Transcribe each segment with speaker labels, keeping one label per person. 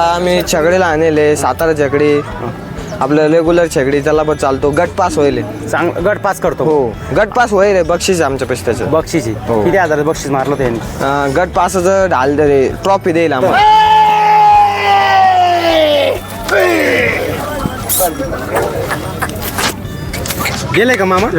Speaker 1: आम्ही छगडीला आणले सातारा छकडी आपलं रेग्युलर छकडी त्याला पण चालतो. गट पास होईल.
Speaker 2: चांगलं गट पास करतो.
Speaker 1: हो गट पास होईल. बक्षीस आमच्या पैसे त्याचं
Speaker 2: बक्षीस
Speaker 1: हो.
Speaker 2: किती हजार बक्षीस मारलं त्यांनी?
Speaker 1: गट पासाचं ढाल दे ट्रॉफी देईल आम्हाला.
Speaker 2: दिलंय का मामा?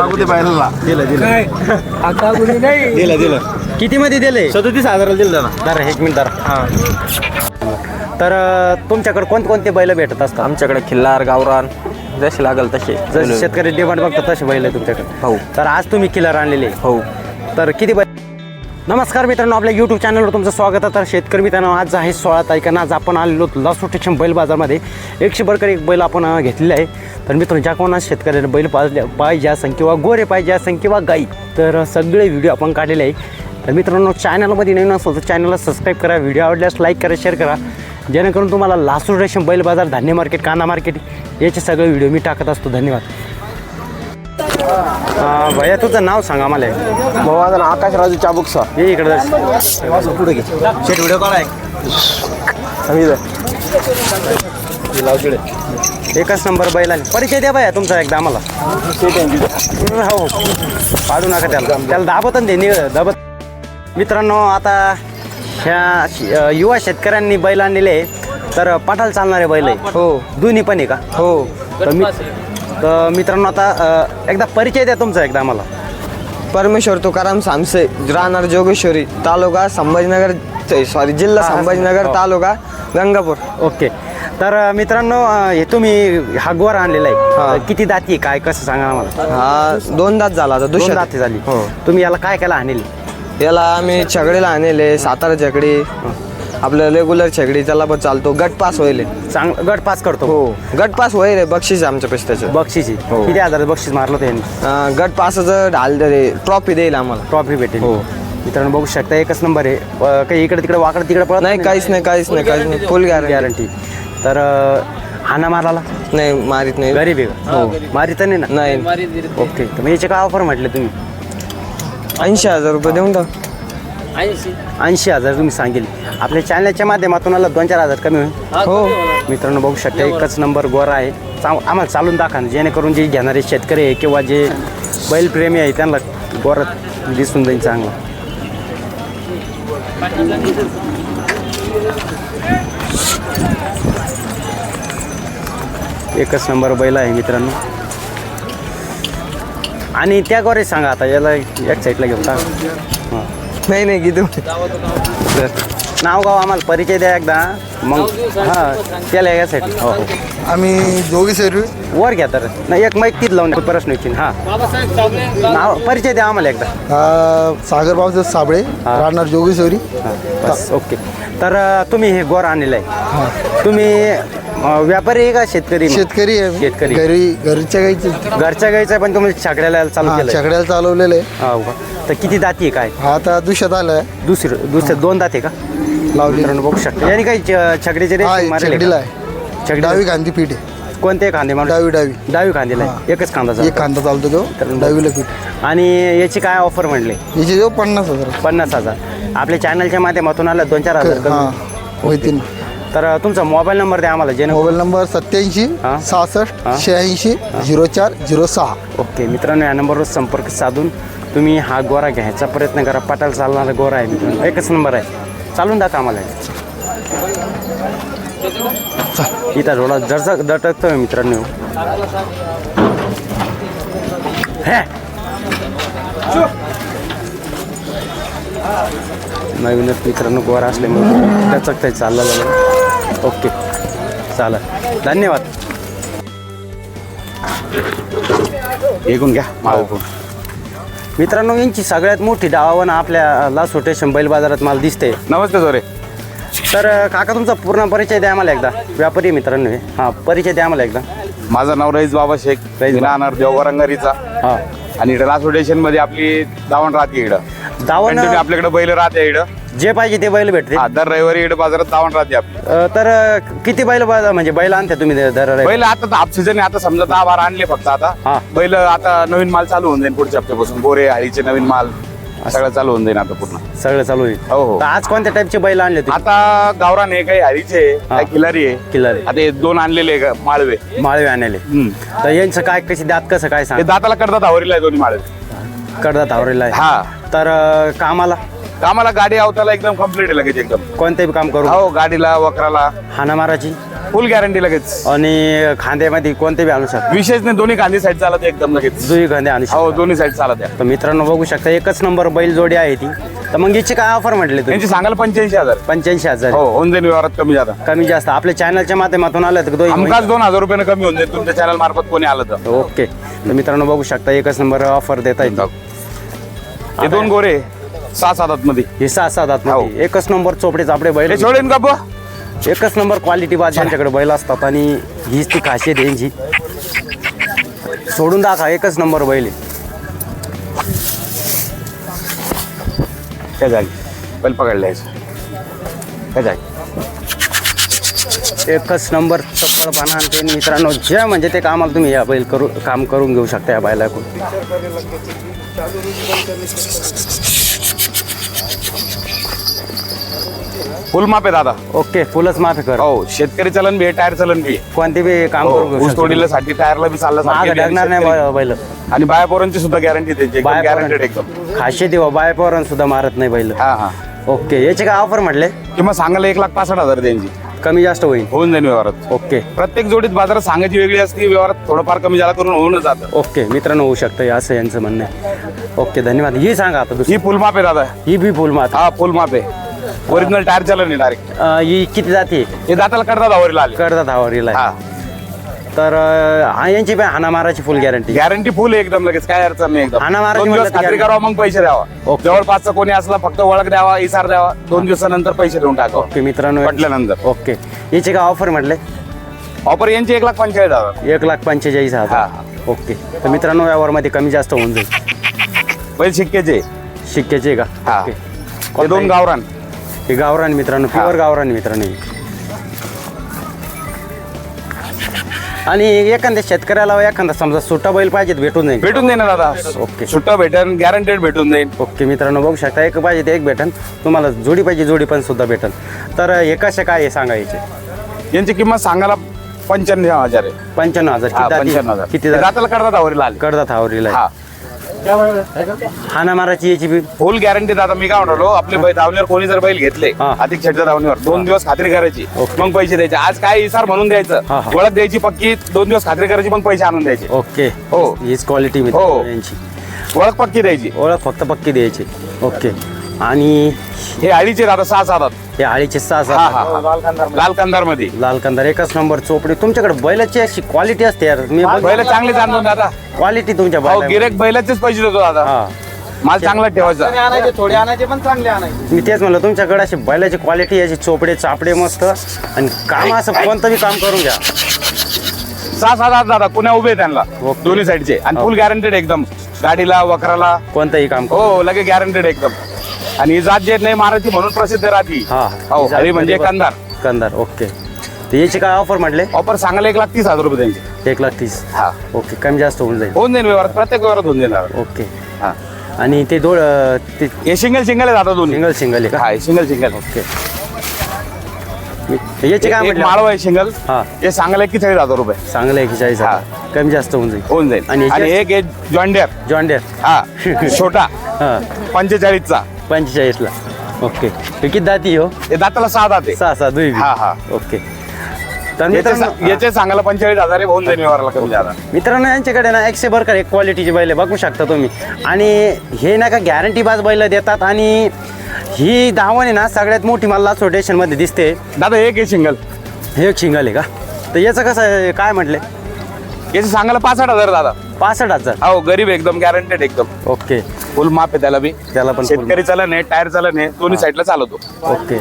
Speaker 2: दिलं किती मध्ये दिले?
Speaker 3: 37,000 दिलं ना.
Speaker 2: जरा एक मिनिट जरा. तर तुमच्याकडे कोणते बैल भेटत असतात?
Speaker 1: आमच्याकडे खिल्लार गावरान जसे लागल तसे.
Speaker 2: जसे शेतकरी डिमांड बघतात तसे बैल आहे तुमच्याकडे.
Speaker 1: हो.
Speaker 2: तर आज तुम्ही किलर आणलेले.
Speaker 1: हो.
Speaker 2: तर किती बैल? नमस्कार मित्रांनो, आपल्या यूट्यूब चॅनलवर तुमचं स्वागत आहे. तर शेतकरी मित्रांनो, आज आहे 16 तारखेला. आज आपण आलेलो लासू स्टेशन बैल बाजारमध्ये. 100 बरकर एक बैल आपण घेतलेले आहे. तर मित्रांनो, ज्या कोणा शेतकऱ्याने बैल पाहिजे असेल किंवा गोरे पाहिजे असेल किंवा गाई, तर सगळे व्हिडिओ आपण काढलेले आहे. तर मित्रांनो, चॅनलमध्ये नवीन असेल तर चॅनलला सबस्क्राईब करा, व्हिडिओ आवडल्यास लाईक करा, शेअर करा, जेणेकरून तुम्हाला लासू स्टेशन बैल बाजार, धान्य मार्केट, कांदा मार्केट याचे सगळे व्हिडिओ मी टाकत असतो. धन्यवाद. भैया तुझं नाव सांगा मला.
Speaker 1: माझं नाव आकाश राजू चाबुकसा.
Speaker 2: ये इकडे
Speaker 1: पुढे घे शेट व्हिडिओ काढाय.
Speaker 2: एकच नंबर बैलाने परिचय द्या भैया तुमचा एकदा आम्हाला. हो पाडू नका त्याला दाबत दाबत. मित्रांनो, आता ह्या युवा शेतकऱ्यांनी बैल आणलेले तर पाठाला चालणारे बैल आहे.
Speaker 1: हो
Speaker 2: दोन्ही पण आहे का?
Speaker 1: हो.
Speaker 2: तर मित्रांनो, आता एकदा परिचय द्या तुमचा एकदा आम्हाला.
Speaker 1: परमेश्वर तुकाराम सामसे, राहणार जोगेश्वरी, तालुका संभाजीनगर, जिल्हा संभाजीनगर, तालुका गंगापूर.
Speaker 2: ओके. तर मित्रांनो, हे तुम्ही हा गोरा आणलेला आहे. किती दाती काय कसं सांगा आम्हाला?
Speaker 1: हा 2 दात झाला आता.
Speaker 2: 2 दाती झाली.
Speaker 1: हो.
Speaker 2: तुम्ही याला काय केला आणली?
Speaker 1: याला आम्ही छगडीला आणले सातारा छकडी आपलं रेग्युलर छकडी त्याला पण चालतो. गट पास होईल.
Speaker 2: चांगलं गट पास करतो.
Speaker 1: हो गट पास होईल. बक्षीस आमच्या पैसे त्याचं.
Speaker 2: बक्षीस
Speaker 1: हो.
Speaker 2: किती हजार बक्षीस मारलं त्यांनी?
Speaker 1: गट पासाचं ढाल दे ट्रॉफी देईल आम्हाला.
Speaker 2: ट्रॉफी भेटेल.
Speaker 1: हो.
Speaker 2: मित्रांनो, बघू शकता एकच नंबर आहे. काही इकडे तिकडे वाकडं तिकडे पळत
Speaker 1: नाही, काहीच नाही. Full
Speaker 2: guarantee. तर हाना माराला
Speaker 1: नाही मारित नाही.
Speaker 2: गरीब आहे का? हो. मारित नाही ना?
Speaker 1: नाही.
Speaker 2: ओके. तर मग याचे काय ऑफर म्हटले तुम्ही?
Speaker 1: 80,000 रुपये देऊन टाक.
Speaker 2: 80,000 तुम्ही सांगेल. आपल्या चॅनलच्या माध्यमातून आला 2-4 हजार कमी होईल.
Speaker 1: हो.
Speaker 2: मित्रांनो, बघू शकता एकच नंबर गोरा आहे. आम्हाला चालून दाखवा, जेणेकरून जे घेणारे शेतकरी आहे किंवा जे बैलप्रेमी आहे त्यांना गोरा दिसून जाईल चांगला. एकच नंबर बैल आहे मित्रांनो. आणि त्या गोरे सांगा आता, याला एक साईडला घेऊन टाका. हां
Speaker 1: नाही किती
Speaker 2: नाव गाव आम्हाला परिचय द्या एकदा. मग हां त्याला या साईड. हो हो.
Speaker 3: आम्ही जोगेश्वरी
Speaker 2: वर घ्या तर नाही, एक माईक तीच लावून प्रश्न विचार. हां नाव परिचय द्या आम्हाला एकदा.
Speaker 3: सागर बाबा साबळे, राहणार जोगेश्वरी.
Speaker 2: बस ओके. तर तुम्ही हे गोर आणलेलं आहे. तुम्ही व्यापारी आहे का शेतकरी?
Speaker 3: शेतकरी आहे.
Speaker 2: शेतकरी.
Speaker 3: घरच्या गाईचे
Speaker 2: घरच्या गाईचं पण तुम्ही छकड्याला चालू केलं?
Speaker 3: छकड्याला चालवलेलं आहे.
Speaker 2: हो का. तर किती दाती आहे काय?
Speaker 3: हा आता दुष्यात आलाय.
Speaker 2: दुसरे 2 दाते का
Speaker 3: लावली?
Speaker 2: बघू शकता. याने काही छकडीचे
Speaker 3: छकडीला आहे. डावी गांधी पीठ आहे.
Speaker 2: कोणते खांदे मारून? डावी खांदेला आहे. एकच खांदा
Speaker 3: एक खांदा चालतो तो डावीला पीठ.
Speaker 2: आणि याची काय ऑफर म्हणले?
Speaker 3: याची जो 50,000.
Speaker 2: 50,000. आपल्या चॅनलच्या माध्यमातून आला 2-4 हजार
Speaker 3: होतील.
Speaker 2: तर तुमचा मोबाईल नंबर द्या आम्हाला. जे
Speaker 3: मोबाईल नंबर 87 66 86 04 06.
Speaker 2: ओके. मित्रांनो, या नंबरवर संपर्क साधून तुम्ही हा गोरा घ्यायचा प्रयत्न करा. पाटाला चालणारा गोरा आहे मित्रांनो. एकच नंबर आहे. चालून दाखवा आम्हाला. इथं थोडा जरसा दटकतोय मित्रांनो. हे नवीनच मित्रांनो गोरा असल्यामुळे दचकताय चाललं. ओके चालेल. धन्यवाद. ऐकून घ्या मालपूर. मित्रांनो, यांची सगळ्यात मोठी डावावण आपल्या लासू स्टेशन बैल बाजारात मला दिसते.
Speaker 4: नमस्ते सोरे.
Speaker 2: तर काका, तुमचा पूर्ण परिचय द्या आम्हाला एकदा. व्यापारी मित्रांनो हे. हां परिचय द्या आम्हाला एकदा.
Speaker 4: माझं नाव रईस बाबा शेख, राहणार देवगरंगारीचा.
Speaker 2: हां.
Speaker 4: आणि इकडे लासू स्टेशन मध्ये आपली दावण राहते. इकडं
Speaker 2: दावण
Speaker 4: आपल्याकडे बैल राहते. इकडं
Speaker 2: जे पाहिजे ते बैल भेटते.
Speaker 4: दर रविवारी इकडे बाजारात दावण राहते आपली.
Speaker 2: तर किती बैल म्हणजे बैल आणते तुम्ही दर?
Speaker 4: बैल आता हाफ सीझन आता समजा 10-12 आणले फक्त. आता बैल आता नवीन माल चालू होऊन जाईल पुढच्या हप्त्यापासून. गोरे हळीचे नवीन माल सगळं चालू होऊन जाईल आता पूर्ण.
Speaker 2: सगळं चालू होईल.
Speaker 4: हो, हो.
Speaker 2: तर आज कोणत्या टाईपचे बैल आणले तुम्ही?
Speaker 4: आता गावरान आहे, काही हरीचे काही खिलारी आहे.
Speaker 2: खिलारी.
Speaker 4: आता हे 2 आणलेले आहे माळवे.
Speaker 2: माळवे आणले. तर यांचं काय कशी दात कसं काय
Speaker 4: ते
Speaker 2: सांग?
Speaker 4: दाताला करतात आवरीला आहे दोन्ही माळवे.
Speaker 2: कडदात आवरेला आहे.
Speaker 4: हा.
Speaker 2: तर कामाला
Speaker 4: कामाला गाडी आवताला एकदम कम्प्लीट आहे लगेच एकदम.
Speaker 2: कोणते बी काम करू?
Speaker 4: हो, गाडीला वक्राला
Speaker 2: हाना माराची
Speaker 4: फुल गॅरंटी लगेच.
Speaker 2: आणि खांद्यामध्ये कोणते बी आणू शकता?
Speaker 4: विशेष नाही, दोन्ही गांधी साईड चालत आहे एकदम लगेच.
Speaker 2: जुई खांदे आणू शकता.
Speaker 4: हो, दोन्ही साईड चालत आहे.
Speaker 2: तर मित्रांनो बघू शकता एकच नंबर बैल जोडी आहे ती. तर मग याची काय ऑफर म्हटले तुम्ही?
Speaker 4: यांची सांगायला 85,000.
Speaker 2: 85,000.
Speaker 4: हो, होऊन जाईल व्यवहारात कमी जाता.
Speaker 2: कमी जास्त आपल्या चॅनलच्या माध्यमातून आलं तर
Speaker 4: हमखास 2,000 रुपयानं कमी होऊन जाईल तुमच्या चॅनल मार्फत कोणी आलं तर.
Speaker 2: ओके. तर मित्रांनो बघू शकता एकच नंबर ऑफर देता येईल.
Speaker 4: हे 2 गोरे 6-7 मध्ये
Speaker 2: हे 6-7 आतमध्ये एकच नंबर चोपडे चापडे बैल.
Speaker 4: हे सोडेन का बुवा?
Speaker 2: एकच नंबर क्वालिटी बाज यांच्याकडे बैल असतात आणि हीच ती खासियत आहे यांची. सोडून दाखवा एकच नंबर बैल आहे.
Speaker 4: काय जागी बैल पकडला काय जागी.
Speaker 2: एकच नंबर चप्पलपणा आणि ते मित्रांनो जे म्हणजे ते कामाला तुम्ही या बैल काम करून घेऊ शकता या बैलाकडून.
Speaker 4: फुल माप आहे दादा.
Speaker 2: ओके फुलच माफी कर.
Speaker 4: हो, शेतकरी चलन बी आहे, टायर चलन बी आहे.
Speaker 2: कोणते बी काम करून घेऊ
Speaker 4: ऊस
Speaker 2: शकता.
Speaker 4: तोडीला साठी टायरला बी चालला
Speaker 2: मागं ढकणार नाही बैल.
Speaker 4: आणि बाया पोरांची सुद्धा गॅरंटी त्याची
Speaker 2: बाया
Speaker 4: गॅरंटेड एकदम.
Speaker 2: खाशी देवा बाय पोरण सुद्धा मारत नाही बैल.
Speaker 4: हा हा.
Speaker 2: ओके याचे काय ऑफर म्हटले?
Speaker 4: किंवा सांगायला 1,65,000 त्यांची.
Speaker 2: कमी जास्त होईल.
Speaker 4: होऊन जाईल व्यवहारात.
Speaker 2: ओके
Speaker 4: प्रत्येक जोडीत बाजारात सांगायची वेगळी असते, व्यवहारात थोडंफार कमी जादा करून होऊन जातं.
Speaker 2: ओके मित्रांनो होऊ शकतं असं यांचं म्हणणं आहे. ओके धन्यवाद. ही सांगा आता दुसरी.
Speaker 4: ही फुल माप आहे दादा.
Speaker 2: ही बी फुल मात.
Speaker 4: हा, फुल माप आहे. ओरिजिनल टायर चलन आहे डायरेक्ट.
Speaker 2: ही किती जाते?
Speaker 4: हे दाताला करतात आवरीला आले.
Speaker 2: करतात आवरीला.
Speaker 4: हा,
Speaker 2: तर यांची पण हाना माराची फुल गॅरंटी.
Speaker 4: गॅरंटी फुल आहे एकदम लगेच, काय अडचण नाही एकदम.
Speaker 2: हाना मारायची
Speaker 4: 2 दिवस
Speaker 2: म्हणलं तर
Speaker 4: खात्री करावं, मग पैसे द्यावा.
Speaker 2: ओके.
Speaker 4: जवळपासचा कोणी असला फक्त ओळख द्यावा, इसार द्यावा, 2 दिवसानंतर पैसे देऊन टाकावं.
Speaker 2: ओके मित्रांनो
Speaker 4: पटल्यानंतर.
Speaker 2: ओके याचे काय ऑफर म्हटले?
Speaker 4: ऑफर यांची 1,45,000.
Speaker 2: 1,45,000.
Speaker 4: हा.
Speaker 2: ओके तर मित्रांनो व्यवहारमध्ये कमी जास्त होऊन जाईल.
Speaker 4: बैल शिक्क्याचे.
Speaker 2: शिक्क्याचे का?
Speaker 4: हा.
Speaker 2: ओके.
Speaker 4: हे 2 गावरान.
Speaker 2: हे गावरान मित्रांनो
Speaker 4: हा.
Speaker 2: प्युअर गावरान मित्रांनो. आणि एखाद्या शेतकऱ्याला एखादा समजा सुट्टा बैल पाहिजे भेटून जाईल.
Speaker 4: भेटून जाईल ना दादा.
Speaker 2: ओके.
Speaker 4: सुट्टा भेटन, गॅरंटेड भेटून जाईल.
Speaker 2: ओके मित्रांनो बघू शकता एक पाहिजे ते एक भेटन. तुम्हाला जोडी पाहिजे जोडी पण सुद्धा भेटन. तर हे कसे काय हे सांगायचे?
Speaker 4: यांची किंमत सांगायला 95,000 आहे.
Speaker 2: 95,000.
Speaker 4: हा,
Speaker 2: किती
Speaker 4: 95,000.
Speaker 2: जाती? किती
Speaker 4: दाताला करतात आवरीला आले.
Speaker 2: करतात आवरीला.
Speaker 4: हा.
Speaker 2: हाना माराची याची बी
Speaker 4: फुल गॅरंटी दादा. मी काय म्हणलो, आपले बैल धावणीवर कोणी जर बैल घेतले
Speaker 2: हा.
Speaker 4: अधिक शेटच्या धावणीवर 2 दिवस खात्री करायची,
Speaker 2: ओके.
Speaker 4: मग पैसे द्यायचे. आज काय इसार म्हणून द्यायचं,
Speaker 2: हा, हा.
Speaker 4: ओळख द्यायची पक्की, 2 दिवस खात्री करायची, मग पैसे आणून द्यायचे.
Speaker 2: ओके.
Speaker 4: हो.
Speaker 2: हीच क्वालिटी
Speaker 4: हो.
Speaker 2: मित्रांनो यांची.
Speaker 4: ओळख पक्की द्यायची.
Speaker 2: ओळख फक्त पक्की द्यायची. ओके. आणि
Speaker 4: हे आळीचे दादा 6-7.
Speaker 2: हे आळीचे 6
Speaker 4: हा हा. लाल कंदार मध्ये
Speaker 2: लाल कंदार एकच नंबर चोपडी. तुमच्याकडे बैलाची अशी क्वालिटी असते यार. मी
Speaker 4: बैल चांगले जाणून दादा.
Speaker 2: क्वालिटी तुमच्या
Speaker 4: हो,
Speaker 2: बैला.
Speaker 4: गिरेक बैलाचेच पैसे देतो दादा.
Speaker 2: हा
Speaker 4: माल चांगला ठेवायचा.
Speaker 2: मी तेच म्हणलं तुमच्याकडे अशी बैलाची क्वालिटी याची चोपडे चापडे मस्त आणि काम असं कोणतं बी काम करून घ्या.
Speaker 4: 6-7 दादा पुण्या उभे आहेत त्यांना
Speaker 2: ओके.
Speaker 4: दोन्ही साईडचे. आणि फुल गॅरंटेड एकदम. गाडीला वखराला
Speaker 2: कोणतंही काम करू.
Speaker 4: हो लगे गॅरंटेड एकदम. आणि ही जात जे नाही माराठी म्हणून प्रसिद्ध राहती.
Speaker 2: हा
Speaker 4: हो, हरी म्हणजे कंदार.
Speaker 2: कंदार. ओके. तर याची काय ऑफर म्हटले?
Speaker 4: ऑफर सांगायला 1,30,000 रुपये त्यांचे.
Speaker 2: 1,30,000.
Speaker 4: हा.
Speaker 2: ओके कमी जास्त होऊन जाईल.
Speaker 4: होऊन जाईल व्यवहारात, प्रत्येक व्यवहारात होऊन जाईल.
Speaker 2: ओके.
Speaker 4: हा.
Speaker 2: आणि ते ते
Speaker 4: हे सिंगल आहे दादा दोन्ही.
Speaker 2: सिंगल आहे का?
Speaker 4: हा, सिंगल.
Speaker 2: ओके. याचे काय
Speaker 4: एक
Speaker 2: म्हटले?
Speaker 4: माळव आहे सिंगल.
Speaker 2: हा.
Speaker 4: हे सांगायला 41,000 रुपये.
Speaker 2: चांगलं आहे की 40,000.
Speaker 4: हा.
Speaker 2: कमी जास्त होऊन जाईल.
Speaker 4: होऊन जाईल.
Speaker 2: आणि
Speaker 4: आणि एक आहे जॉन्डियर.
Speaker 2: जॉन्डियर.
Speaker 4: हा छोटा
Speaker 2: हा
Speaker 4: 45चा.
Speaker 2: 45ला. ओके. हे किती दाती हो?
Speaker 4: हे दाताला 6 दात आहे.
Speaker 2: 6 दुई.
Speaker 4: हा हा.
Speaker 2: ओके. तर मित्रांनो
Speaker 4: याचे सांगायला 45,000 आहे. होऊन जाईल व्यवहाराला कमी जादा.
Speaker 2: मित्रांनो यांच्याकडे ना 100 बरकर एक क्वालिटीची बैल आहे बघू शकता तुम्ही. आणि हे ना का गॅरंटी बाज बैल देतात. आणि ही धावण आहे ना सगळ्यात मोठी मला लासो मध्ये दिसते.
Speaker 4: दादा एक आहे सिंगल.
Speaker 2: हे एक शिंगल आहे का? तर याचं कसं आहे, काय म्हटले?
Speaker 4: याचे सांगायला 65,000 दादा.
Speaker 2: 65,000.
Speaker 4: हो गरीब एकदम गॅरंटेड एकदम.
Speaker 2: ओके.
Speaker 4: फुल माप आहे त्याला बी.
Speaker 2: त्याला पण full
Speaker 4: शेतकरी चलन आहे, टायर चलन आहे, दोन्ही साईडला चालवतो.
Speaker 2: ओके.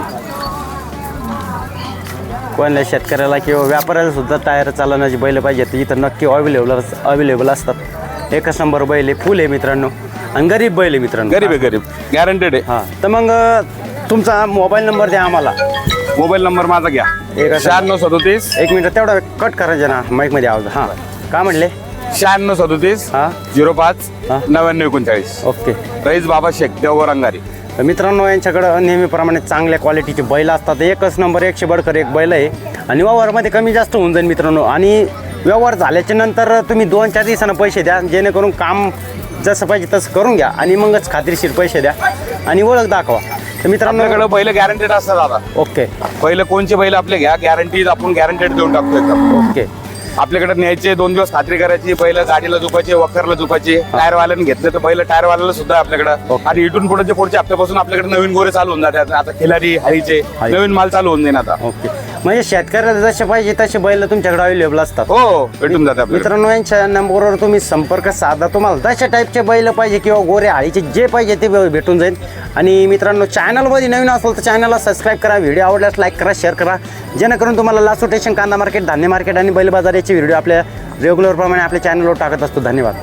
Speaker 2: कोणत्या शेतकऱ्याला किंवा व्यापाऱ्याला सुद्धा टायर चालवण्याची बैल पाहिजे तर इथं नक्की अवेलेबल असतात. एकच नंबर बैल आहे. फुल आहे मित्रांनो. आणि गरीब बैल आहे मित्रांनो.
Speaker 4: गरीब गॅरंटेड आहे.
Speaker 2: हां तर मग तुमचा मोबाईल नंबर द्या आम्हाला.
Speaker 4: मोबाईल नंबर माझा घ्या. 9637.
Speaker 2: एक मिनिट तेवढा कट करायचं ना माईकमध्ये आवाज. हां काय म्हटले?
Speaker 4: 9637
Speaker 2: हा
Speaker 4: 05
Speaker 2: हा.
Speaker 4: 9939.
Speaker 2: ओके.
Speaker 4: रईस बाबा शेख देवघर अंगारी.
Speaker 2: तर मित्रांनो यांच्याकडं नेहमीप्रमाणे चांगल्या क्वालिटीचे बैल असतात. एकच नंबर 100 बडकर एक बैल आहे आणि व्यवहारमध्ये कमी जास्त होऊन जाईल मित्रांनो. आणि व्यवहार झाल्याच्या नंतर तुम्ही 2-4 दिवसानं पैसे द्या, जेणेकरून काम जसं पाहिजे तसं करून घ्या आणि मगच खात्रीशीर पैसे द्या आणि ओळख दाखवा. तर मित्रांनो
Speaker 4: आपल्याकडे बैल गॅरंटेड असतात दादा.
Speaker 2: ओके
Speaker 4: पहिलं कोणचे बैल आपले घ्या, गॅरंटी आपण गॅरंटेड देऊन टाकतो एकदम.
Speaker 2: ओके.
Speaker 4: आपल्याकडे न्यायचे 2 दिवस खात्री करायची, बैल गाडीला झुकायचे, वखरला झुकायचे. टायरवाल्याने घेतले तर बैल टायरवाल्याला सुद्धा आपल्याकडे.
Speaker 2: ओके.
Speaker 4: आणि इथून पुढे पुढच्या हप्त्यापासून आपल्याकडे नवीन गोरे चालू होऊन जातात. आता खिलारी हळीचे
Speaker 2: हळी.
Speaker 4: नवीन माल चालू होऊन जाईल आता.
Speaker 2: ओके. म्हणजे शेतकऱ्याला जसे पाहिजे तसे बैल तुमच्याकडे अवेलेबल असतात.
Speaker 4: हो भेटून जाते आपल्याला.
Speaker 2: मित्रांनो यांच्या नंबरवर तुम्ही संपर्क साधा. तुम्हाला तशा टाईपचे बैल पाहिजे किंवा गोरे आळीचे जे पाहिजे ते भेटून जाईल. आणि मित्रांनो चॅनलमध्ये नवीन असेल तर चॅनलला सबस्क्राईब करा, व्हिडिओ आवडल्यास लाईक करा, शेअर करा, जेणेकरून तुम्हाला लासू स्टेशन, कांदा मार्केट, धान्य मार्केट आणि बैल बाजार याचे व्हिडिओ आपल्या रेग्युलर प्रमाणे आपल्या चॅनलवर टाकत असतो. धन्यवाद.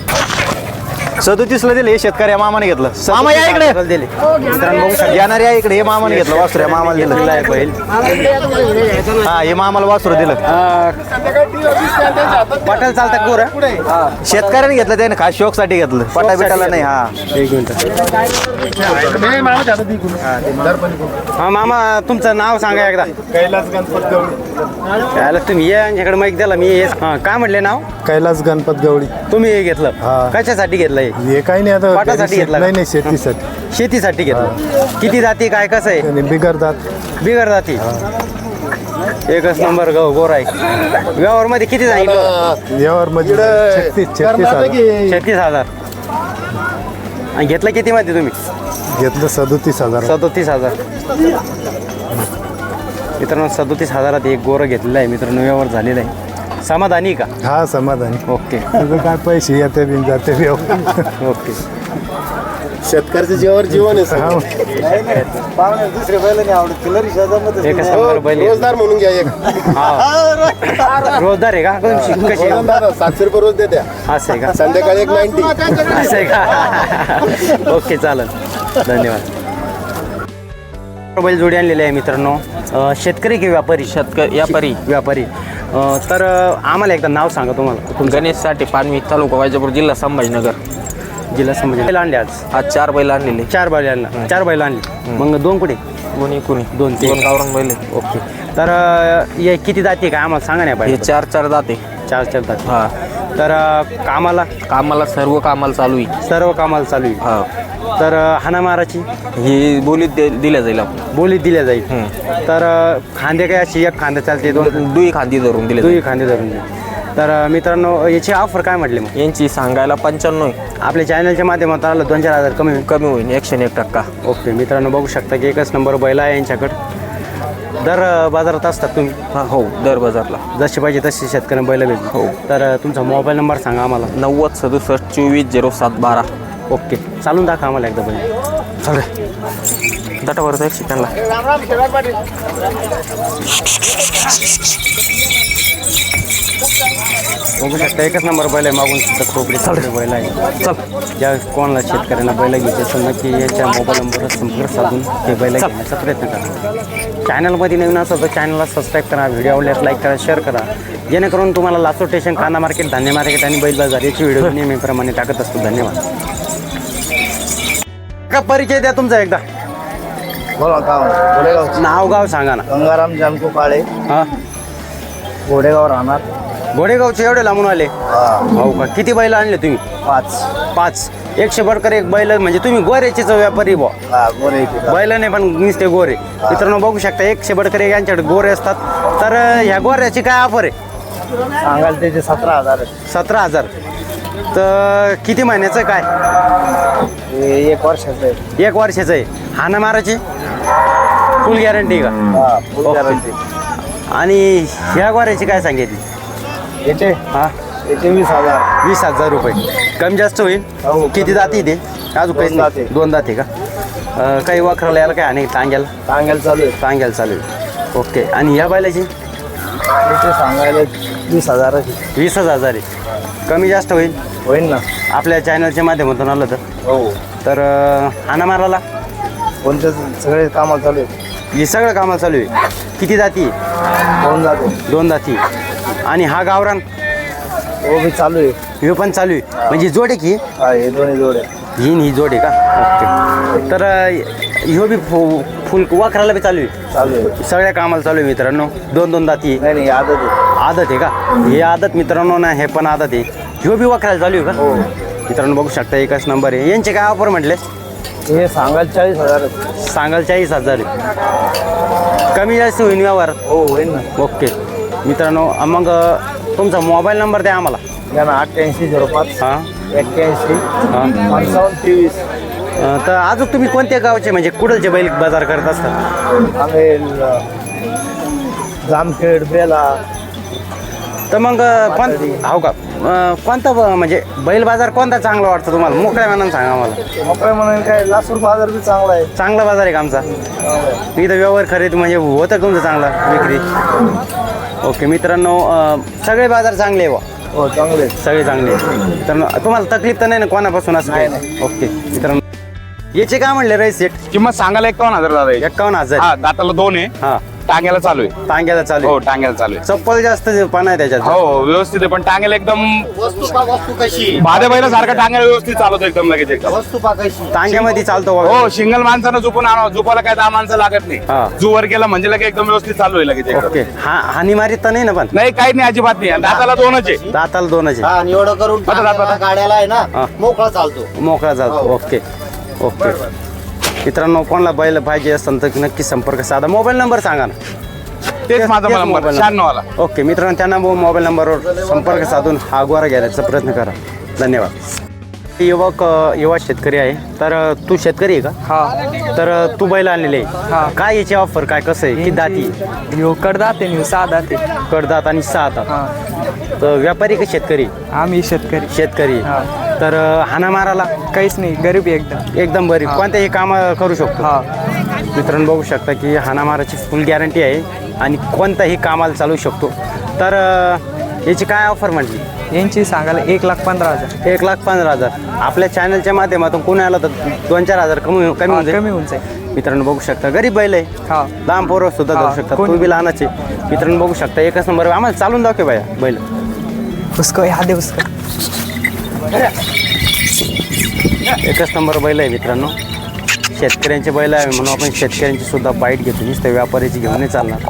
Speaker 5: 37ला दिले हे शेतकरी मामाने घेतलं. मामा या इकडे.
Speaker 2: दिले मित्रांनो बघू शकता.
Speaker 5: येणार या इकडे. हे मामाने घेतलं वासुर. या मामाला
Speaker 2: दिलेला
Speaker 5: दिलं.
Speaker 2: आहे बैल.
Speaker 5: हा हे मामाला वासुर दिलं.
Speaker 2: पटेल चालतात गोर.
Speaker 5: शेतकऱ्याने घेतलं त्याने खास शौकसाठी घेतलं. पटा बिटाला नाही. हा
Speaker 2: एक मिनिट. हा मामा तुमचं नाव सांगा एकदा.
Speaker 3: कैलास गणपत गवळी.
Speaker 2: याला तुम्ही या यांच्याकडे माहिती द्याला मी काय म्हटले नाव.
Speaker 3: कैलास गणपत गवळी.
Speaker 2: तुम्ही हे घेतलं
Speaker 3: हा.
Speaker 2: कशासाठी घेतलं हे.
Speaker 3: हे काही नाही आता
Speaker 2: पाटासाठी घेतला का?
Speaker 3: नाही शेतीसाठी.
Speaker 2: शेतीसाठी घेतलं. किती जाती काय कसं आहे.
Speaker 3: आणि बिगरतात.
Speaker 2: बिगर जाती. एकच नंबर गोर आहे. व्यवहारमध्ये किती सांगितलं.
Speaker 3: यावर म्हणजे 36,000.
Speaker 2: 36,000. आणि घेतलं किती मध्ये तुम्ही.
Speaker 3: घेतलं 37,000.
Speaker 2: 37,000. मित्रांनो 37,000 एक गोरं घेतलेलं आहे मित्रांनो. व्यवहार झालेला आहे. समाधानी का.
Speaker 3: हा समाधानी.
Speaker 2: ओके
Speaker 3: तुझं काय पैसे येते बिन जाते
Speaker 2: ओके.
Speaker 3: शेतकऱ्याचं जेवर जीवन आहे. दुसरे बैल नाही आवडत.
Speaker 2: एकच नंबर बैल आहे.
Speaker 3: रोजदार म्हणून घ्या एक.
Speaker 2: हा रोजदार आहे का कशी.
Speaker 3: 700 रुपये रोज देत्या.
Speaker 2: असं आहे का.
Speaker 3: संध्याकाळी एक 90.
Speaker 2: असं आहे का. ओके चालेल. धन्यवाद. बैल जोडी आणलेली आहे मित्रांनो. शेतकरी की व्यापारी.
Speaker 6: व्यापारी
Speaker 2: व्यापारी. तर आम्हाला एकदा नाव सांगा तुम्हाला.
Speaker 6: गणेश साठी पानवी, तालुका वैजापूर, जिल्हा संभाजीनगर.
Speaker 2: जिल्हा संभाजी. बैल आणले आज.
Speaker 6: 4 बैल आणलेले.
Speaker 2: 4 बैल आणला. 4 बैल आणली. मग 2 कुठे.
Speaker 6: कुणी
Speaker 2: 2
Speaker 6: गावरान बैल.
Speaker 2: ओके. तर हे किती जाती काय आम्हाला सांगा नाही
Speaker 6: हे
Speaker 2: पाहिजे.
Speaker 6: 4 जाते.
Speaker 2: 4 जाती.
Speaker 6: हा
Speaker 2: तर कामाला
Speaker 6: सर्व कामाला चालू आहे.
Speaker 2: सर्व कामाला चालू आहे.
Speaker 6: हा
Speaker 2: तर हाणामाराची
Speaker 6: ही बोलीत दिल्या जाईल आपण.
Speaker 2: बोलीत दिल्या जाईल. तर खांदे काय अशी एक खांदे चालते 2
Speaker 6: दुई खांदी धरून दिले
Speaker 2: दुई खांदे धरून दे. तर मित्रांनो याची ऑफर काय म्हटली मग.
Speaker 6: यांची सांगायला 95 आहे.
Speaker 2: आपल्या चॅनलच्या माध्यमातून आलं 2-4 हजार कमी होईल.
Speaker 6: कमी होईल 101%.
Speaker 2: ओके मित्रांनो बघू शकता की एकच नंबर बैल आहे यांच्याकडं. दर बाजारात असतात तुम्ही.
Speaker 6: हा हो दर बाजारला
Speaker 2: जसे पाहिजे तसे शेतकऱ्यांना बैल भेटतील.
Speaker 6: हो.
Speaker 2: तर तुमचा मोबाईल नंबर सांगा आम्हाला.
Speaker 6: 90 67 24 07 12.
Speaker 2: ओके चालून दाखवा आम्हाला एकदा बैल.
Speaker 6: चालेल. दटावर एक शिकायला.
Speaker 2: बघू शकता एकच नंबर बैल आहे. मागून सुद्धा खोपडी चालू बैल आहे.
Speaker 6: चल.
Speaker 2: ज्या कोणाला शेतकऱ्यांना बैल घ्यायचे असेल नक्की याच्या मोबाईल नंबरवर संपर्क साधून ते बैल घेण्याचा प्रयत्न करा. चॅनलमध्ये नवीन असेल तर चॅनलला सबस्क्राईब करा, व्हिडिओ आवडल्यास लाईक करा, शेअर करा, जेणेकरून तुम्हाला लासू स्टेशन, कांदा मार्केट, धान्य मार्केट आणि बैल बाजार याची व्हिडिओ नेहमीप्रमाणे टाकत असतो. धन्यवाद. का परिचय द्या तुमचा एकदा. नाव गाव सांगा ना.
Speaker 3: गंगाराम जानको काळे.
Speaker 2: हां
Speaker 3: घोडेगाव राहणार.
Speaker 2: घोडेगावचे एवढे लांबून आले. हो का. किती बैल आणले तुम्ही. 5. 100 बडकर एक बैल म्हणजे तुम्ही गोऱ्याचेच व्यापारी बुवा. बैलाने पण नुसते गोरे. मित्रांनो बघू शकता 100 बडकर एक यांच्याकडे गोरे असतात. तर ह्या गोऱ्याची काय ऑफर आहे.
Speaker 3: सांगाल त्याचे 17,000.
Speaker 2: 17,000. तर किती महिन्याचं काय.
Speaker 3: 1 वर्षाचं आहे.
Speaker 2: 1 वर्षाचं आहे. हाना माराची फुल गॅरंटी का.
Speaker 3: गॅरंटी.
Speaker 2: आणि ह्या गोऱ्याची काय सांगितली.
Speaker 3: याचे
Speaker 2: हां
Speaker 3: 20,000.
Speaker 2: 20,000 रुपये. कमी जास्त होईल. किती जाती ते अजून काहीच नाही. 2 जाती का. काही वखराला यायला काय आणि टांग्याला
Speaker 3: सांगायला चालू आहे.
Speaker 2: टांग्याला चालू आहे. ओके. आणि ह्या बैलाची
Speaker 3: याचे सांगायला 20,000.
Speaker 2: 20,000 आहे. कमी जास्त होईल.
Speaker 3: होईल ना.
Speaker 2: आपल्या चॅनलच्या माध्यमातून आलं तर.
Speaker 3: हो.
Speaker 2: तर हाना माराला
Speaker 3: कोणत्या सगळे कामाला चालू आहे.
Speaker 2: हे सगळं कामाला चालू आहे. किती जाती.
Speaker 3: 2 जाते.
Speaker 2: 2 जाती. आणि हा गावरान
Speaker 3: हो मी चालू आहे.
Speaker 2: ह्यो पण चालू आहे म्हणजे जोड आहे की
Speaker 3: हा हे दोन्ही जोड्या
Speaker 2: ही जोड आहे का? ओके. तर ह्यो बी फुल वाखराला बी चालू आहे.
Speaker 3: चालू आहे.
Speaker 2: सगळ्या कामाला चालू आहे मित्रांनो. दोन दाती आहे.
Speaker 3: नाही आदत आहे.
Speaker 2: आदत आहे का? हे आदत मित्रांनो ना, हे पण आदत आहे. ह्यो बी वाखराला चालू आहे का?
Speaker 3: हो.
Speaker 2: मित्रांनो बघू शकता एकच नंबर आहे. यांचे काय ऑफर म्हटले?
Speaker 3: हे सांगायला 40,000.
Speaker 2: सांगाल 40,000 आहे. कमी जास्त होईल व्यवहार.
Speaker 3: हो होईल ना.
Speaker 2: ओके मित्रांनो मग तुमचा मोबाईल नंबर द्या आम्हाला.
Speaker 3: घ्या ना 8805
Speaker 2: हां
Speaker 3: 81
Speaker 2: हां
Speaker 3: 5523.
Speaker 2: तर अजून तुम्ही कोणत्या गावचे म्हणजे कुठलचे बैल बाजार करत असतात?
Speaker 3: आम्ही जामखेड बेला.
Speaker 2: तर मग हो का कोणता म्हणजे बैल बाजार कोणता चांगला वाटतो तुम्हाला? मोकळ्या मनानं सांगा आम्हाला.
Speaker 3: मोकळ्या म्हणून काय लासूर बाजार बी चांगला आहे.
Speaker 2: चांगला बाजार आहे का आमचा? इथं व्यवहार खरेदी म्हणजे होतं का तुमचं चांगला विक्री? ओके मित्रांनो सगळे बाजार चांगले आहे बा.
Speaker 3: हो चांगले आहे.
Speaker 2: सगळे चांगले आहे. तर तुम्हाला तकलीफ तर नाही ना कोणापासून असं काय? ओके मित्रांनो याचे काय म्हणले राईस सेट?
Speaker 4: किंमत सांगायला 51,000 दादा याची.
Speaker 2: 51,000.
Speaker 4: हा दाताला 2 आहे.
Speaker 2: हा
Speaker 4: टांग्याला चालू आहे.
Speaker 2: टांग्याला चालू
Speaker 4: हो
Speaker 2: आहे.
Speaker 4: टांग्याला चालू आहे.
Speaker 2: चप्पल जास्त पान आहे त्याच्यात.
Speaker 4: हो व्यवस्थित आहे पण टांग्याला एकदम भाद्या बैला सारखा टांग्याला व्यवस्थित चालवतो एकदम लगेच एकदम.
Speaker 3: वस्तू पाकायची.
Speaker 2: टांग्यामध्ये चालतो बघा.
Speaker 4: हो सिंगल माणसानं झुपून आणावं. झुपाला काय 10 माणसं लागत
Speaker 2: हा.
Speaker 4: नाही. जुवर केला म्हणजे लगेच एकदम व्यवस्थित चालू आहे लगेच एकदम.
Speaker 2: ओके हानी मारीत तर नाही ना? पण
Speaker 4: नाही काही नाही अजिबात नाही. आणि दाताला 2च आहे.
Speaker 2: दाताला 2च
Speaker 3: हा आणि एवढं करून
Speaker 4: आता दात-
Speaker 3: टाकायला गाड्याला आहे
Speaker 2: हा.
Speaker 3: ना मोकळा चालतो.
Speaker 2: मोकळा जातो. ओके ओके मित्रांनो कोणाला बैल पाहिजे असेल तर नक्की संपर्क साधा. मोबाईल नंबर सांगा ना.
Speaker 4: तेच माझा नंबर
Speaker 2: मोबाईल
Speaker 4: 96 वाला.
Speaker 2: ओके मित्रांनो त्यांना मोबाईल नंबरवर संपर्क साधून हा गोरा घ्यायचा प्रयत्न करा. धन्यवाद. युवा शेतकरी आहे. तर तू शेतकरी आहे का?
Speaker 7: हा
Speaker 2: तर तू बैल आणलेले आहे. काय याची ऑफर काय कसं आहे? किती दाती?
Speaker 7: ह्यो कडदात आहे 6 दात आहे.
Speaker 2: कडदात आणि 6 दात.
Speaker 7: हा
Speaker 2: तर व्यापारी का शेतकरी?
Speaker 7: आम्ही शेतकरी.
Speaker 2: शेतकरी.
Speaker 7: हा.
Speaker 2: तर हाना माराला
Speaker 7: काहीच नाही गरीबी एकदम.
Speaker 2: एकदम बरी कोणत्याही काम करू शकतो.
Speaker 7: हा
Speaker 2: मित्रांनो बघू शकता की हानामाराची फुल गॅरंटी आहे आणि कोणताही कामाला चालू शकतो. तर याची काय ऑफर म्हटली?
Speaker 7: यांची सांगायला 1,15,000.
Speaker 2: 1,15,000. आपल्या चॅनलच्या माध्यमातून कोणी आलं तर 2-4 हजार कमी होऊन जाईल.
Speaker 7: कमी होऊन जाईल.
Speaker 2: मित्रांनो बघू शकता गरीब बैल आहे.
Speaker 7: हा
Speaker 2: लहान पोरं सुद्धा
Speaker 7: हा,
Speaker 2: जाऊ शकतात.
Speaker 7: कोणी-
Speaker 2: तू बी लहानच आहे. मित्रांनो बघू शकता एकच नंबर. आम्हाला चालून दाखव बाया बैल.
Speaker 7: उसको ह्या दे उसको.
Speaker 2: एकच नंबर बैल आहे मित्रांनो. शेतकऱ्यांचे बैल आहे म्हणून आपण शेतकऱ्यांची सुद्धा बाईट घेतो. नुसतं व्यापाऱ्याची घेऊन नाही चालणार.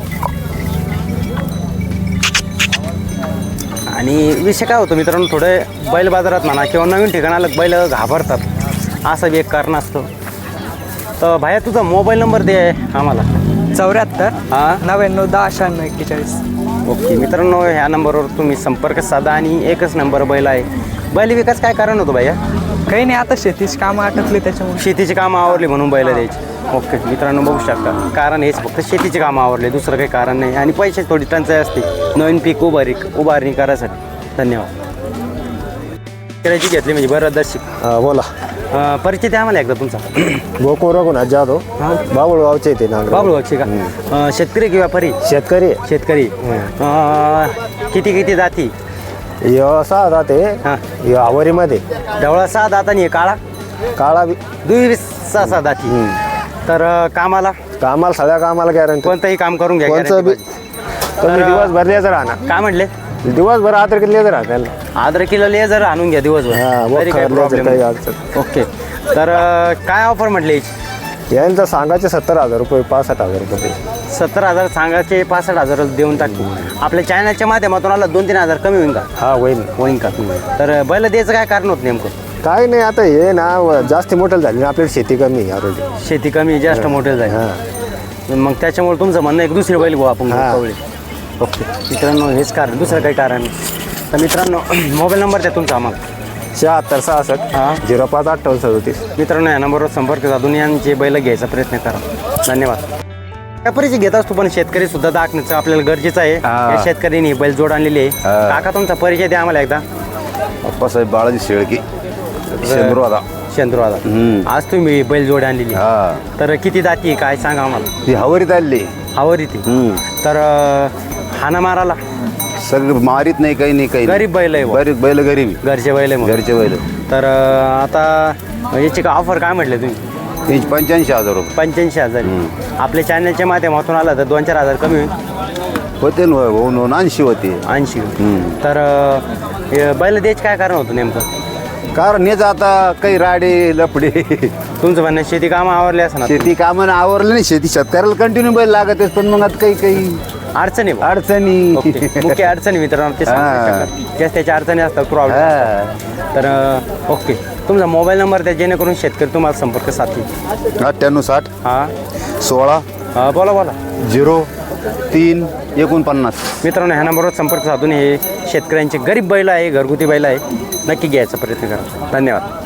Speaker 2: आणि विषय काय होतो मित्रांनो थोडे बैल बाजारात म्हणा किंवा नवीन ठिकाणाला बैल घाबरतात. असं बी एक कारण असतं. तर भाया तुझा मोबाईल नंबर दे आम्हाला.
Speaker 7: 74
Speaker 2: हां
Speaker 7: 99 10 96 41.
Speaker 2: ओके मित्रांनो ह्या नंबरवर तुम्ही संपर्क साधा. आणि एकच नंबर बैल आहे. बैल विकास काय कारण होतं भैया?
Speaker 7: काही नाही आता शेतीची कामं आटपली त्याच्यामुळे.
Speaker 2: शेतीची कामं आवरली म्हणून बैल द्यायची. ओके मित्रांनो बघू शकता कारण हेच फक्त शेतीची कामं आवरले दुसरं काही कारण नाही. आणि पैसे थोडी टंचाई असते नवीन पीक उभारणी करायसाठी. धन्यवाद. करायची घेतली म्हणजे बरं दर्शिक.
Speaker 3: बोला.
Speaker 2: परिचय द्या आम्हाला एकदा तुमचा.
Speaker 3: गोकुळ रघुनाथ जाधव बाबुळगावचे ते नांगर.
Speaker 2: बाबुळगावचे का? शेतकरी की व्यापारी?
Speaker 3: शेतकरी.
Speaker 2: शेतकरी. किती जाती?
Speaker 3: सहा जाते.
Speaker 2: हां
Speaker 3: आवरीमध्ये
Speaker 2: ढवळा 6 दात आणि काळा
Speaker 3: काळा बी.
Speaker 2: 6 दाती. तर कामाला
Speaker 3: सगळ्या कामाला गॅरंटी.
Speaker 2: कोणतंही काम करून घ्या.
Speaker 3: कोणचं बी.
Speaker 2: guarantee
Speaker 3: तुम्ही
Speaker 2: तर-
Speaker 3: दिवसभर लेजर आणा.
Speaker 2: काय म्हटले?
Speaker 3: दिवसभर आदर लेजर आणा.
Speaker 2: अद्रकीला लेझर आणून घ्या दिवसभर. तरी काही problem
Speaker 3: काही
Speaker 2: नाही.
Speaker 3: अडचण.
Speaker 2: ओके तर काय ऑफर म्हटले याची?
Speaker 3: यांचं सांगायचे 70,000 रुपये 65,000 रुपये.
Speaker 2: 70,000 सांगायचे 65,000 देऊन टाकू. आपल्या चॅनलच्या माध्यमातून आला 2-3 हजार कमी होईल का?
Speaker 3: हा होईल.
Speaker 2: होईल का? तर बैल द्यायचं काय कारण होत नेमकं?
Speaker 3: काय नाही आता हे ना जास्त मोठं झाली ना आपल्याला शेती कमी आहे already.
Speaker 2: शेती कमी जास्त मोठे जाईल.
Speaker 3: हा.
Speaker 2: मग त्याच्यामुळे तुमचं म्हणणं एक दुसरी बैल घेऊ आपण
Speaker 3: हा.
Speaker 2: कवळे. ओके मित्रांनो हेच कारण दुसरं काही कारण नाही. तर मित्रांनो मोबाईल नंबर द्या तुमचा आम्हाला.
Speaker 3: 76 66
Speaker 2: हां
Speaker 3: 05 58 37.
Speaker 2: मित्रांनो या नंबरवर संपर्क साधून यांचे बैल घ्यायचा प्रयत्न करा. धन्यवाद. व्यापारीचे घेत असतो पण शेतकरी सुद्धा दाखण्याचं आपल्याला गरजेचं आहे. या शेतकऱ्यांनी बैल जोड आणलेली आहे. काका तुमचा परिचय द्या आम्हाला एकदा.
Speaker 8: अप्पासाहेब बाळाजी शेळकी शेंद्रवादा.
Speaker 2: आज तुम्ही बैल जोड आणलेली आहे.
Speaker 8: हा
Speaker 2: तर किती दाती काय सांगा आम्हाला.
Speaker 8: ही हवरीत आली.
Speaker 2: हवर इथे. तर हाना माराला
Speaker 8: सगळं मारीत नाही काही नाही काही नाही.
Speaker 2: गरीब बैल आहे बुवा.
Speaker 8: बरीच बैल गरीब
Speaker 2: घरचे बैल आहे मग.
Speaker 8: घरचे बैल.
Speaker 2: तर आता याची का ऑफर काय म्हटले तुम्ही?
Speaker 8: यांची 85,000 रुपये.
Speaker 2: 85,000. आपल्या चॅनलच्या माध्यमातून आला तर 2-4 हजार कमी होईल.
Speaker 8: होते ना होऊन 80 होते
Speaker 2: 80. तर बैल द्यायचं काय कारण होतं नेमकं?
Speaker 8: कारण हेच आता काही राडे लपडे
Speaker 2: तुमचं म्हणणं शेती कामं आवरले असं ना
Speaker 8: शेती कामानं आवरलं नाही शेती शेतकऱ्याला कंटिन्यू बैल लागत पण मग आता काही
Speaker 2: अडचणी बा.
Speaker 8: अडचणी
Speaker 2: ओके. मुख्य अडचणी मित्रांनो ते सांगू त्याच्या अडचणी असतात प्रॉब्लेम.
Speaker 8: हा.
Speaker 2: तर ओके, तुमचा मोबाईल नंबर द्या जेणेकरून शेतकरी तुम्हाला संपर्क साधतील.
Speaker 8: 9860
Speaker 2: हां
Speaker 8: 16
Speaker 2: बोला
Speaker 8: 03 49.
Speaker 2: मित्रांनो ह्या नंबरवर संपर्क साधून हे शेतकऱ्यांचे गरीब बैल आहे, घरगुती बैल आहे, नक्की घ्यायचा प्रयत्न करा. धन्यवाद.